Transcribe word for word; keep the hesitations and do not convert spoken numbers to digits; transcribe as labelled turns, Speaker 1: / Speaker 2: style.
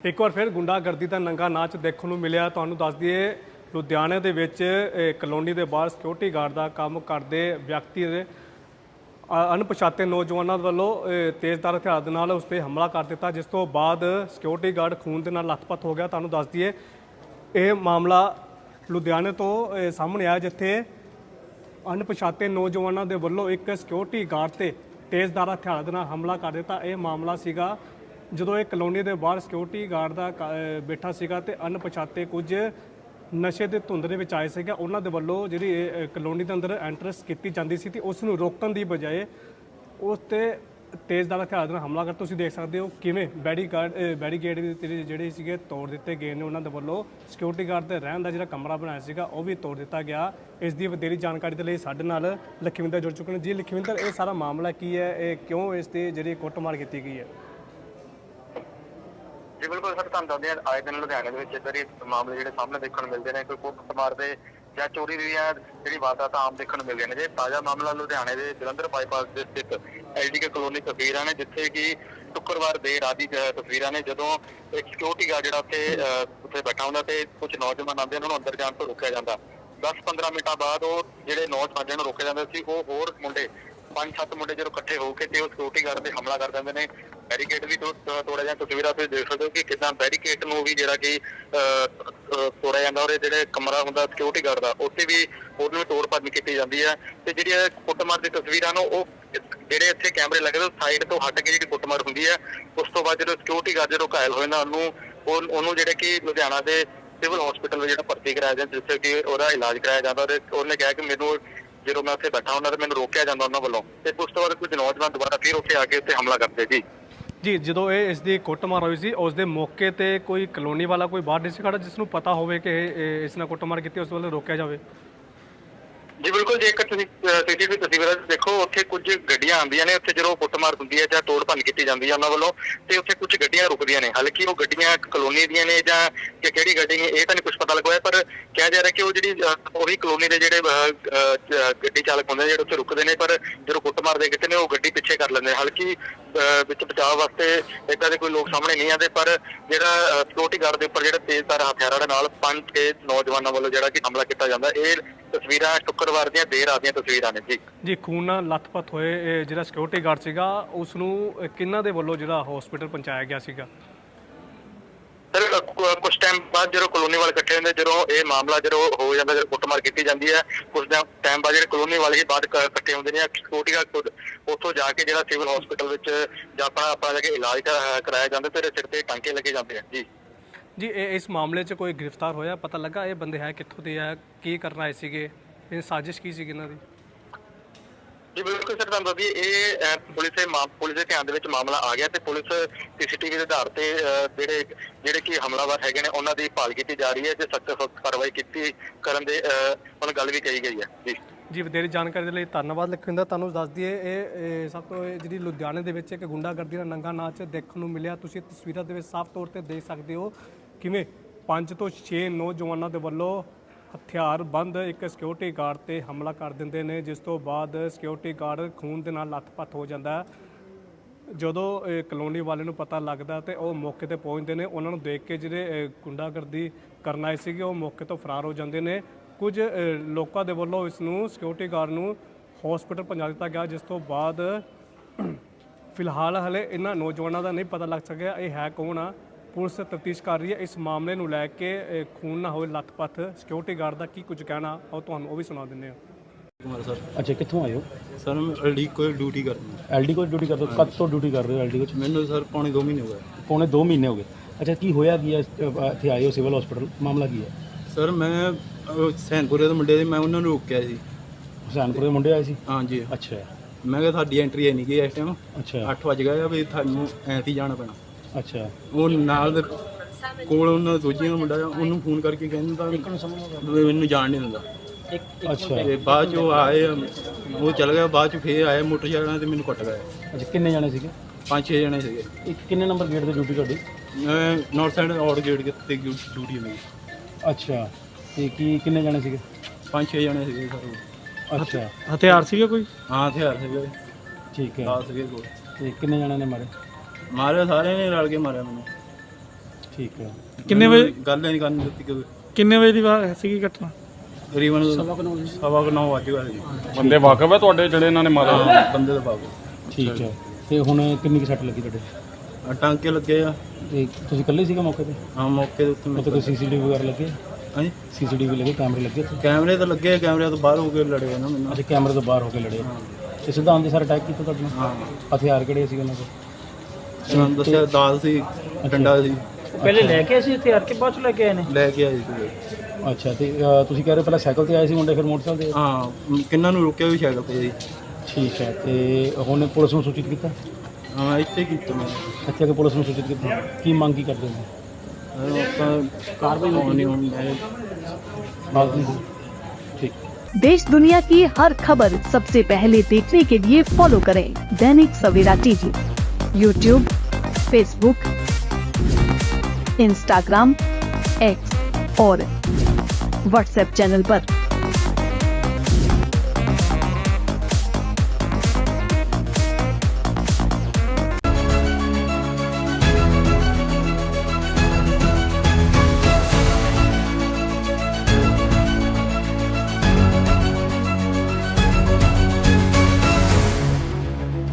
Speaker 1: ਇੱਕ ਵਾਰ ਫਿਰ ਗੁੰਡਾਗਰਦੀ ਦਾ ਨੰਗਾ ਨਾਚ ਦੇਖਣ ਨੂੰ ਮਿਲਿਆ। ਤੁਹਾਨੂੰ ਦੱਸ ਦਈਏ ਲੁਧਿਆਣੇ ਦੇ ਵਿੱਚ ਕਲੋਨੀ ਦੇ ਬਾਹਰ ਸਿਕਿਉਰਿਟੀ ਗਾਰਡ ਦਾ ਕੰਮ ਕਰਦੇ ਵਿਅਕਤੀ ਦੇ ਅਣਪਛਾਤੇ ਨੌਜਵਾਨਾਂ ਵੱਲੋਂ ਤੇਜ਼ਧਾਰ ਹਥਿਆਰ ਦੇ ਨਾਲ ਉਸ 'ਤੇ ਹਮਲਾ ਕਰ ਦਿੱਤਾ, ਜਿਸ ਤੋਂ ਬਾਅਦ ਸਿਕਿਉਰਿਟੀ ਗਾਰਡ ਖੂਨ ਦੇ ਨਾਲ ਲੱਥਪੱਥ ਹੋ ਗਿਆ। ਤੁਹਾਨੂੰ ਦੱਸ ਦਈਏ ਇਹ ਮਾਮਲਾ ਲੁਧਿਆਣੇ ਤੋਂ ਸਾਹਮਣੇ ਆਇਆ, ਜਿੱਥੇ ਅਣਪਛਾਤੇ ਨੌਜਵਾਨਾਂ ਦੇ ਵੱਲੋਂ ਇੱਕ ਸਿਕਿਉਰਿਟੀ ਗਾਰਡ 'ਤੇ ਤੇਜ਼ਧਾਰ ਹਥਿਆਰ ਦੇ ਨਾਲ ਹਮਲਾ ਕਰ ਦਿੱਤਾ। ਇਹ ਮਾਮਲਾ ਸੀਗਾ ਜਦੋਂ ਇਹ ਕਲੋਨੀ ਦੇ ਬਾਹਰ ਸਿਕਿਉਰਿਟੀ ਗਾਰਡ ਦਾ ਬੈਠਾ ਸੀਗਾ ਤੇ ਅਣਪਛਾਤੇ ਕੁਝ ਨਸ਼ੇ ਦੇ ਧੁੰਦ ਦੇ ਵਿੱਚ ਆਏ ਸੀਗੇ। ਉਹਨਾਂ ਦੇ ਵੱਲੋਂ ਜਿਹੜੀ ਇਹ ਕਲੋਨੀ ਦੇ ਅੰਦਰ ਐਂਟਰੈਂਸ ਕੀਤੀ ਜਾਂਦੀ ਸੀ ਤੇ ਉਸ ਨੂੰ ਰੋਕਣ ਦੀ ਬਜਾਏ ਉਸ 'ਤੇ ਤੇਜ਼ਧਾਰ ਹਥਿਆਰ ਦੇ ਨਾਲ ਹਮਲਾ ਕਰ ਤੁਸੀਂ ਦੇਖ ਸਕਦੇ ਹੋ ਕਿਵੇਂ ਬੈਰੀਗਾਰਡ ਬੈਰੀਗੇਡ ਜਿਹੜੇ ਸੀਗੇ ਤੋੜ ਦਿੱਤੇ ਗਏ ਨੇ। ਉਹਨਾਂ ਦੇ ਵੱਲੋਂ ਸਿਕਿਉਰਿਟੀ ਗਾਰਡ ਦੇ ਰਹਿਣ ਦਾ ਜਿਹੜਾ ਕਮਰਾ ਬਣਾਇਆ ਸੀਗਾ ਉਹ ਵੀ ਤੋੜ ਦਿੱਤਾ ਗਿਆ। ਇਸ ਦੀ ਵਧੇਰੀ ਜਾਣਕਾਰੀ ਦੇ ਲਈ ਸਾਡੇ ਨਾਲ ਲਖਵਿੰਦਰ ਜੁੜ ਚੁੱਕੇ ਨੇ। ਜੀ ਲਖਵਿੰਦਰ, ਇਹ ਸਾਰਾ ਮਾਮਲਾ ਕੀ ਹੈ, ਇਹ ਕਿਉਂ ਇਸ ਦੀ ਜਿਹੜੀ ਕੁੱਟਮਾਰ ਕੀਤੀ ਗਈ ਹੈ?
Speaker 2: ਜੀ ਬਿਲਕੁਲ ਸਰ, ਤੁਹਾਨੂੰ ਦੱਸਦੇ ਹਾਂ ਆਏ ਦਿਨ ਲੁਧਿਆਣੇ ਦੇ ਵਿੱਚ ਇੱਧਰ ਹੀ ਮਾਮਲੇ ਜਿਹੜੇ ਸਾਹਮਣੇ ਦੇਖਣ ਨੂੰ ਮਿਲਦੇ ਨੇ। ਕੋਈ ਕੁੱਟਮਾਰ ਦੇ ਜਾਂ ਚੋਰੀ ਦੀ ਹੈ ਜਿਹੜੀ ਵਾਰਦਾਤ ਆਮ ਦੇਖਣ ਨੂੰ ਮਿਲਦੀਆਂ ਨੇ। ਜੇ ਤਾਜ਼ਾ ਮਾਮਲਾ ਲੁਧਿਆਣੇ ਦੇ ਜਲੰਧਰ ਬਾਈਪਾਸ ਦੇ ਸਥਿਤ ਐਲਡੀਕੇ ਕਲੋਨੀ ਤਸਵੀਰਾਂ ਨੇ, ਜਿੱਥੇ ਕਿ ਸ਼ੁੱਕਰਵਾਰ ਦੇਰ ਰਾਤ ਦੀ ਤਸਵੀਰਾਂ ਨੇ, ਜਦੋਂ ਇੱਕ ਸਿਕਿਉਰਿਟੀ ਗਾਰਡ ਜਿਹੜਾ ਉੱਥੇ ਉੱਥੇ ਬੈਠਾ ਹੁੰਦਾ ਤੇ ਕੁਝ ਨੌਜਵਾਨ ਆਉਂਦੇ ਉਹਨਾਂ ਨੂੰ ਅੰਦਰ ਜਾਣ ਤੋਂ ਰੋਕਿਆ ਜਾਂਦਾ। ਦਸ ਪੰਦਰਾਂ ਮਿੰਟਾਂ ਬਾਅਦ ਉਹ ਜਿਹੜੇ ਨੌਜਵਾਨ ਜਿਹਨਾਂ ਨੂੰ ਰੋਕਿਆ ਜਾਂਦਾ ਸੀ, ਉਹ ਹੋਰ ਮੁੰਡੇ ਪੰਜ ਸੱਤ ਮੁੰਡੇ ਜਦੋਂ ਇਕੱਠੇ ਹੋ ਕੇ ਤੇ ਉਹ ਸਿਕਿਉਰਿਟੀ ਗਾਰਡ ਤੇ ਹਮਲਾ ਕਰ ਦਿੰਦੇ ਨੇ। ਬੈਰੀਕੇਡ ਵੀ ਤੋੜਿਆ ਜਾਂਦਾ। ਤਸਵੀਰਾਂ ਤੁਸੀਂ ਦੇਖ ਸਕਦੇ ਹੋ ਕਿ ਕਿੱਦਾਂ ਬੈਰੀਕੇਡ ਨੂੰ ਵੀ ਜਿਹੜਾ ਕਿ ਤੋੜਿਆ ਜਾਂਦਾ, ਔਰ ਜਿਹੜੇ ਕਮਰਾ ਹੁੰਦਾ ਸਿਕਿਉਰਿਟੀ ਗਾਰਡ ਦਾ ਉੱਥੇ ਵੀ ਉਹਨੂੰ ਵੀ ਤੋੜ ਭੰਨ ਕੀਤੀ ਜਾਂਦੀ ਹੈ। ਤੇ ਜਿਹੜੀ ਕੁੱਟਮਾਰ ਦੀ ਤਸਵੀਰਾਂ ਨੂੰ ਉਹ ਜਿਹੜੇ ਇੱਥੇ ਕੈਮਰੇ ਲੱਗੇ ਨੇ ਸਾਈਡ ਤੋਂ ਹਟ ਕੇ ਜਿਹੜੀ ਕੁੱਟਮਾਰ ਹੁੰਦੀ ਹੈ, ਉਸ ਤੋਂ ਬਾਅਦ ਜਦੋਂ ਸਿਕਿਉਰਿਟੀ ਗਾਰਡ ਜਦੋਂ ਘਾਇਲ ਹੋਏ ਨਾ ਉਹਨੂੰ ਉਹਨੂੰ ਜਿਹੜੇ ਕਿ ਲੁਧਿਆਣਾ ਦੇ ਸਿਵਲ ਹਸਪੀਟਲ ਵਿੱਚ ਜਿਹੜਾ ਭਰਤੀ ਕਰਾਇਆ ਜਾਂਦਾ, ਜਿੱਥੇ ਕਿ ਉਹਦਾ ਇਲਾਜ ਕਰਾਇਆ ਜਾਂਦਾ। ਔਰ ਉਹਨੇ ਕਿਹਾ ਕਿ ਮੈਨੂੰ ਜਦੋਂ ਮੈਂ ਉੱਥੇ ਬੈਠਾ ਹੁੰਦਾ ਤੇ ਮੈਨੂੰ ਰੋਕਿਆ ਜਾਂਦਾ ਉਹਨਾਂ ਵੱਲੋਂ, ਤੇ ਉਸ ਤੋਂ ਬਾਅਦ ਕੁਝ ਨੌਜਵਾਨ ਦੁਬਾਰਾ ਫਿਰ ਉੱਥੇ ਆ ਕੇ ਉੱਥੇ ਹਮਲਾ ਕਰਦੇ ਜੀ।
Speaker 1: ਜੀ ਜਦੋਂ ਇਹ ਇਸ ਦੀ ਕੁੱਟਮਾਰ ਹੋਈ ਸੀ ਉਸ ਦੇ ਮੌਕੇ ਤੇ ਕੋਈ ਕਲੋਨੀ ਵਾਲਾ ਕੋਈ ਬਾਹਰ ਨਹੀਂ ਸੀ ਖੜਾ ਜਿਸ ਨੂੰ ਪਤਾ ਹੋਵੇ ਕਿ ਇਸ ਨਾਲ ਕੁੱਟਮਾਰ ਕੀਤੀ, ਉਸ ਵੱਲੋਂ ਰੋਕਿਆ ਜਾਵੇ?
Speaker 2: ਜੀ ਬਿਲਕੁਲ, ਜੇਕਰ ਤੁਸੀਂ ਸੀਸੀਟੀਵੀ ਤਸਵੀਰਾਂ ਦੇਖੋ, ਉੱਥੇ ਕੁਝ ਗੱਡੀਆਂ ਆਉਂਦੀਆਂ ਨੇ, ਉੱਥੇ ਜਦੋਂ ਕੁੱਟਮਾਰ ਹੁੰਦੀ ਹੈ ਜਾਂ ਤੋੜ ਭੰਨ ਕੀਤੀ ਜਾਂਦੀ ਹੈ ਉਹਨਾਂ ਵੱਲੋਂ, ਤੇ ਉੱਥੇ ਕੁਝ ਗੱਡੀਆਂ ਰੁਕਦੀਆਂ ਨੇ। ਹਾਲਾਂਕਿ ਉਹ ਗੱਡੀਆਂ ਕਲੋਨੀ ਦੀਆਂ ਨੇ ਜਾਂ ਕਿ ਕਿਹੜੀ ਗੱਡੀ ਨੇ ਇਹ ਤਾਂ ਨਹੀਂ ਕੁਝ ਪਤਾ ਲੱਗਿਆ, ਪਰ ਕਿਹਾ ਜਾ ਰਿਹਾ ਕਿ ਉਹ ਜਿਹੜੀ ਉਹੀ ਕਲੋਨੀ ਦੇ ਜਿਹੜੇ ਗੱਡੀ ਚਾਲਕ ਹੁੰਦੇ ਨੇ ਜਿਹੜੇ ਉੱਥੇ ਰੁਕਦੇ ਨੇ, ਪਰ ਜਦੋਂ ਕੁੱਟਮਾਰ ਦੇ ਕਿਤੇ ਨੇ ਉਹ ਗੱਡੀ ਪਿੱਛੇ ਕਰ ਲੈਂਦੇ ਨੇ। ਹਾਲਾਂਕਿ ਵਿੱਚ ਬਚਾਅ ਵਾਸਤੇ ਏਦਾਂ ਦੇ ਕੋਈ ਲੋਕ ਸਾਹਮਣੇ ਨਹੀਂ ਆਉਂਦੇ, ਪਰ ਜਿਹੜਾ ਸਿਕਿਉਰਿਟੀ ਗਾਰਡ ਦੇ ਉੱਪਰ ਜਿਹੜਾ ਤੇਜ਼ਧਾਰ ਹਥਿਆਰਾਂ ਦੇ ਨਾਲ ਪੰਜ ਛੇ ਨੌਜਵਾਨਾਂ ਵੱਲੋਂ ਜਿਹੜਾ ਕਿ ਹਮਲਾ ਕੀਤਾ ਜਾਂਦਾ, ਇਹ ਤਸਵੀਰਾਂ ਸ਼ੁੱਕਰਵਾਰ ਦੀਆਂ ਦੇਰ ਰਾਤ ਦੀਆਂ ਤਸਵੀਰਾਂ ਨੇ ਜੀ।
Speaker 1: ਜੀ ਖੂਨ ਨਾਲ ਲੱਥਪੱਥ ਹੋਏ ਜਿਹੜਾ ਸਿਕਿਉਰਿਟੀ ਗਾਰਡ ਸੀਗਾ ਉਸ ਨੂੰ ਕਿਹਨਾਂ ਦੇ ਵੱਲੋਂ ਜਿਹੜਾ ਹਸਪੀਟਲ ਪਹੁੰਚਾਇਆ ਗਿਆ ਸੀਗਾ?
Speaker 2: ਸਰ ਕੁਝ ਟਾਈਮ ਬਾਅਦ ਜਦੋਂ ਕਲੋਨੀ ਵਾਲੇ ਇਕੱਠੇ ਹੁੰਦੇ, ਜਦੋਂ ਇਹ ਮਾਮਲਾ ਜਦੋਂ ਹੋ ਜਾਂਦਾ, ਜਦੋਂ ਕੁੱਟਮਾਰ ਕੀਤੀ ਜਾਂਦੀ ਹੈ, ਕੁਝ ਟਾਈਮ ਬਾਅਦ ਜਿਹੜੇ ਕਲੋਨੀ ਵਾਲੇ ਹੀ ਬਾਅਦ ਇਕੱਠੇ ਹੁੰਦੇ ਨੇ, ਸਿਕਿਉਰਿਟੀ ਗਾਰਡ ਉੱਥੋਂ ਜਾ ਕੇ ਜਿਹੜਾ ਸਿਵਲ ਹਸਪੀਟਲ ਵਿੱਚ ਜਾਂ ਆਪਣਾ ਆਪਣਾ ਜਾ ਕੇ ਇਲਾਜ ਕਰਾਇਆ ਜਾਂਦਾ ਤੇ ਸਿਰ ਤੇ ਟਾਂਕੇ ਲੱਗੇ ਜਾਂਦੇ ਆ ਜੀ।
Speaker 1: ਜੀ ਇਹ ਇਸ ਮਾਮਲੇ 'ਚ ਕੋਈ ਗ੍ਰਿਫਤਾਰ ਹੋਇਆ, ਪਤਾ ਲੱਗਾ ਇਹ ਬੰਦੇ ਹੈ ਕਿੱਥੋਂ ਦੇ ਆ, ਕੀ ਕਰਨ ਆਏ ਸੀਗੇ, ਇਹ ਸਾਜ਼ਿਸ਼ ਕੀ ਸੀ ਇਹਨਾਂ ਦੀ?
Speaker 2: ਜੀ ਬਿਲਕੁਲ ਸਰ, ਤੁਹਾਨੂੰ ਦੱਸਦੀ ਇਹ ਪੁਲਿਸ ਦੇ ਪੁਲਿਸ ਦੇ ਧਿਆਨ ਦੇ ਵਿੱਚ ਮਾਮਲਾ ਆ ਗਿਆ ਤੇ ਪੁਲਿਸ ਸੀਸੀਟੀਵੀ ਦੇ ਆਧਾਰ ਤੇ ਜਿਹੜੇ ਜਿਹੜੇ ਕਿ ਹਮਲਾਵਰ ਹੈਗੇ ਨੇ ਉਹਨਾਂ ਦੀ ਭਾਲ ਕੀਤੀ ਜਾ ਰਹੀ ਹੈ ਤੇ ਸਖਤ ਸਖਤ ਕਾਰਵਾਈ ਕੀਤੀ ਕਰਨ ਦੇ ਹੁਣ ਗੱਲ ਵੀ ਕਹੀ ਗਈ ਹੈ ਜੀ।
Speaker 1: ਜੀ ਵਧੇਰੀ ਜਾਣਕਾਰੀ ਦੇ ਲਈ ਧੰਨਵਾਦ ਲਖਵਿੰਦਰ। ਤੁਹਾਨੂੰ ਦੱਸ ਦਈਏ ਇਹ ਸਭ ਤੋਂ ਜਿਹੜੀ ਲੁਧਿਆਣੇ ਦੇ ਵਿੱਚ ਇੱਕ ਗੁੰਡਾਗਰਦੀ ਦਾ ਨੰਗਾ ਨਾਚ ਦੇਖਣ ਨੂੰ ਮਿਲਿਆ। ਤੁਸੀਂ ਤਸਵੀਰਾਂ ਦੇ ਵਿੱਚ ਸਾਫ਼ ਤੌਰ ਤੇ ਦੇਖ ਸਕਦੇ ਹੋ ਕਿਵੇਂ ਪੰਜ ਤੋਂ ਛੇ ਨੌਜਵਾਨਾਂ ਦੇ ਵੱਲੋਂ ਹਥਿਆਰ ਬੰਦ ਇੱਕ ਸਿਕਿਉਰਿਟੀ ਗਾਰਡ ਤੇ ਹਮਲਾ ਕਰ ਦਿੰਦੇ ਨੇ, ਜਿਸ ਤੋਂ ਬਾਅਦ ਸਿਕਿਉਰਿਟੀ ਗਾਰਡ ਖੂਨ ਦੇ ਨਾਲ ਲੱਥਪੱਥ ਹੋ ਜਾਂਦਾ। ਜਦੋਂ ਇਹ ਕਲੋਨੀ ਵਾਲੇ ਨੂੰ ਪਤਾ ਲੱਗਦਾ ਤੇ ਉਹ ਮੌਕੇ ਤੇ ਪਹੁੰਚਦੇ ਨੇ। ਉਹਨਾਂ ਨੂੰ ਦੇਖ ਕੇ ਜਿਹੜੇ ਗੁੰਡਾਗਰਦੀ ਕਰਨ ਆਏ ਸੀਗੇ ਉਹ ਮੌਕੇ ਤੋਂ ਫਰਾਰ ਹੋ ਜਾਂਦੇ ਨੇ। ਕੁਝ ਲੋਕਾਂ ਦੇ ਵੱਲੋਂ ਇਸ ਨੂੰ ਸਿਕਿਉਰਿਟੀ ਗਾਰਡ ਨੂੰ ਹਸਪੀਟਲ ਪਹੁੰਚਾ ਦਿੱਤਾ ਗਿਆ, ਜਿਸ ਤੋਂ ਬਾਅਦ ਫਿਲਹਾਲ ਹਲੇ ਇਹਨਾਂ ਨੌਜਵਾਨਾਂ ਦਾ ਨਹੀਂ ਪਤਾ ਲੱਗ ਸਕਿਆ ਇਹ ਹੈ ਕੌਣ ਆ। ਪੁਲਿਸ ਤਫਤੀਸ਼ ਕਰ ਰਹੀ ਹੈ ਇਸ ਮਾਮਲੇ ਨੂੰ ਲੈ ਕੇ। ਖੂਨ ਨਾ ਹੋਵੇ ਲੱਥਪੱਥ ਸਿਕਿਉਰਿਟੀ ਗਾਰਡ ਦਾ ਕੀ ਕੁਝ ਕਹਿਣਾ ਉਹ ਤੁਹਾਨੂੰ ਉਹ ਵੀ ਸੁਣਾ ਦਿੰਦੇ ਹਾਂ।
Speaker 3: ਕੁਮਾਰ ਸਰ।
Speaker 4: ਅੱਛਾ, ਕਿੱਥੋਂ ਆਏ ਹੋ?
Speaker 3: ਸਰ ਮੈਂ ਐਲਡੀ ਕੋਲ ਡਿਊਟੀ ਕਰਦਾ।
Speaker 4: ਐਲਡੀ ਕੋਲ ਡਿਊਟੀ ਕਰਦੇ ਹੋ? ਕਦ ਤੋਂ ਡਿਊਟੀ ਕਰ ਰਹੇ ਹੋ ਐਲਡੀ ਕੋਲ?
Speaker 3: ਮੈਨੂੰ ਸਰ ਪੌਣੇ ਦੋ ਮਹੀਨੇ ਹੋ ਗਏ।
Speaker 4: ਪੌਣੇ ਦੋ ਮਹੀਨੇ ਹੋ ਗਏ। ਅੱਛਾ, ਕੀ ਹੋਇਆ ਕੀ ਹੈ ਇੱਥੇ ਆਏ ਹੋ ਸਿਵਲ ਹਸਪੀਟਲ, ਮਾਮਲਾ ਕੀ ਹੈ?
Speaker 3: ਸਰ ਮੈਂ ਸੈਨਪੁਰੇ ਦੇ ਮੁੰਡੇ ਦੇ ਮੈਂ ਉਹਨਾਂ ਨੂੰ ਰੋਕਿਆ ਸੀ।
Speaker 4: ਹੁਸੈਨਪੁਰ ਦੇ ਮੁੰਡੇ ਆਏ ਸੀ?
Speaker 3: ਹਾਂਜੀ।
Speaker 4: ਅੱਛਾ,
Speaker 3: ਮੈਂ ਕਿਹਾ ਤੁਹਾਡੀ ਐਂਟਰੀ ਹੈ ਨਹੀਂ ਗਈ ਇਸ ਟਾਈਮ।
Speaker 4: ਅੱਛਾ,
Speaker 3: ਅੱਠ ਵਜ ਗਏ ਆ ਵੀ ਤੁਹਾਨੂੰ ਐਂਤੀ ਜਾਣਾ ਪੈਣਾ।
Speaker 4: ਅੱਛਾ,
Speaker 3: ਉਹ ਨਾਲ ਦੇ ਕੋਲ ਉਹਨਾਂ ਦੂਜੇ ਮੁੰਡਾ ਉਹਨੂੰ ਫੋਨ ਕਰਕੇ ਕਹਿੰਦਾ ਮੈਨੂੰ ਜਾਣ ਨਹੀਂ ਦਿੰਦਾ।
Speaker 4: ਅੱਛਾ,
Speaker 3: ਤੇ ਬਾਅਦ 'ਚ ਉਹ ਆਏ, ਉਹ ਚਲ ਗਿਆ। ਬਾਅਦ 'ਚ ਫੇਰ ਆਏ ਮੋਟਰਸਾਈਕਲਾਂ ਤੇ ਮੈਨੂੰ ਕੁੱਟ ਗਏ।
Speaker 4: ਅੱਛਾ, ਕਿੰਨੇ ਜਾਣੇ ਸੀਗੇ?
Speaker 3: ਪੰਜ ਛੇ ਜਣੇ ਸੀਗੇ।
Speaker 4: ਇੱਕ ਕਿੰਨੇ ਨੰਬਰ ਗੇਟ ਤੇ ਡਿਊਟੀ ਤੁਹਾਡੀ?
Speaker 3: ਨਾਰਥ ਸਾਈਡ ਆਊਟ ਗੇਟ ਤੇ ਡਿਊਟੀ ਮੇਰੀ।
Speaker 4: ਅੱਛਾ, ਤੇ ਕੀ ਕਿੰਨੇ ਜਾਣੇ ਸੀਗੇ?
Speaker 3: ਪੰਜ ਛੇ ਜਣੇ ਸੀਗੇ ਸਰ।
Speaker 4: ਅੱਛਾ,
Speaker 1: ਹਥਿਆਰ ਸੀਗੇ ਕੋਈ?
Speaker 3: ਹਾਂ ਹਥਿਆਰ ਸੀਗੇ।
Speaker 4: ਠੀਕ ਹੈ।
Speaker 3: ਦਸ ਸੀਗੇ ਕੋਲ।
Speaker 4: ਤੇ ਕਿੰਨੇ ਜਾਣੇ ਨੇ ਮਾਰੇ?
Speaker 3: ਮਾਰਿਆ ਸਾਰਿਆਂ ਨੇ ਰਲ ਕੇ ਮਾਰਿਆ ਮੈਨੂੰ।
Speaker 4: ਠੀਕ ਹੈ।
Speaker 5: ਕਿੰਨੇ ਵਜੇ
Speaker 3: ਗੱਲ ਨਹੀਂ ਕਰਨ ਦਿੱਤੀ ਕਿ
Speaker 5: ਕਿੰਨੇ ਵਜੇ ਦੀ ਵਾ- ਸੀਗੀ ਘਟਨਾ?
Speaker 3: ਤਕਰੀਬਨ ਸਵਾ ਕੁ ਨੌ ਵੱਜ ਗਏ ਸੀ।
Speaker 6: ਬੰਦੇ ਵਾਕਫ ਹੈ ਤੁਹਾਡੇ ਜਿਹੜੇ ਇਹਨਾਂ ਨੇ ਮਾਰਿਆ?
Speaker 3: ਹਾਂ, ਬੰਦੇ ਦਾ ਬਾਬੂ
Speaker 4: ਠੀਕ ਹੈ। ਤੇ ਹੁਣ ਕਿੰਨੀ ਕੁ ਸੱਟ ਲੱਗੀ ਤੁਹਾਡੇ?
Speaker 3: ਆ ਟਾਂਕੇ ਲੱਗੇ ਆ।
Speaker 4: ਤੇ ਤੁਸੀਂ ਇਕੱਲੇ ਸੀਗੇ ਮੌਕੇ ਤੇ?
Speaker 3: ਹਾਂ, ਮੌਕੇ ਦੇ ਉੱਤੇ
Speaker 4: ਉੱਥੇ ਕੋਈ ਸੀਸੀਟੀਵੀ ਵਗੈਰਾ ਲੱਗੇ?
Speaker 3: ਹਾਂਜੀ,
Speaker 4: ਸੀਸੀਟੀਵੀ ਲੱਗੇ, ਕੈਮਰੇ ਲੱਗੇ ਉੱਥੇ?
Speaker 3: ਕੈਮਰੇ ਤਾਂ ਲੱਗੇ, ਕੈਮਰੇ ਤੋਂ ਬਾਹਰ ਹੋ ਕੇ ਲੜੇ ਆ ਨਾ ਮੈਨੂੰ।
Speaker 4: ਅੱਛਾ, ਕੈਮਰੇ ਤੋਂ ਬਾਹਰ ਹੋ ਕੇ ਲੜੇ। ਤੇ ਸਿੱਧਾ ਆਉਂਦੇ ਸਾਰ ਅਟੈਕ ਕੀਤਾ ਤੁਹਾਡੇ ਨਾਲ?
Speaker 3: ਹਾਂ,
Speaker 4: ਹਥਿਆਰ ਕਿਹੜੇ ਸੀ ਉਹਨਾਂ ਕੋਲ?
Speaker 3: ਸਾਨੂੰ ਦੱਸਿਆ ਦਾਲ ਸੀ, ਡੰਡਾ ਸੀ,
Speaker 5: ਪਹਿਲੇ ਲੈ ਕੇ ਅਸੀਂ ਹਥਿਆਰ ਕੇ ਬਾਅਦ ਚ ਲੈ ਕੇ ਆਏ ਨੇ?
Speaker 3: ਲੈ ਕੇ ਆਏ ਸੀ।
Speaker 4: ਅੱਛਾ, ਤੇ ਅ, ਤੁਸੀਂ ਕਹਿ ਰਹੇ ਹੋ ਪਹਿਲਾਂ ਸਾਈਕਲ ਤੇ ਆਏ ਸੀ ਮੁੰਡੇ, ਫਿਰ ਮੋਟਰਸਾਈਕਲ ਤੇ?
Speaker 3: ਹਾਂ, ਕਿੰਨਾਂ ਨੂੰ ਰੋਕਿਆ ਵੀ ਸਾਈਕਲ ਤੇ ਜੀ।
Speaker 4: ਠੀਕ ਹੈ। ਤੇ ਹੁਣ ਪੁਲਿਸ ਨੂੰ ਸੂਚਿਤ ਕੀਤਾ?
Speaker 3: ਹਾਂ, ਇੱਥੇ ਕੀਤਾ ਮੈਂ।
Speaker 4: ਇੱਥੇ ਆ ਕੇ ਪੁਲਿਸ ਨੂੰ ਸੂਚਿਤ ਕੀਤਾ। ਕੀ ਮੰਗ ਕੀ ਕਰਦੇ ਨੇ?
Speaker 3: ਆਪਾਂ ਕਾਰਵਾਈ ਹੋਣੀ ਹੋਣੀ ਹੈ।
Speaker 4: ਬਾਤ ਨਹੀਂ ਹੋਈ। ठीक।
Speaker 7: देश दुनिया की हर खबर सबसे पहले देखने के लिए फॉलो करें Dainik Savera TV, YouTube, Facebook, Instagram, X और व्हाट्सएप चैनल पर।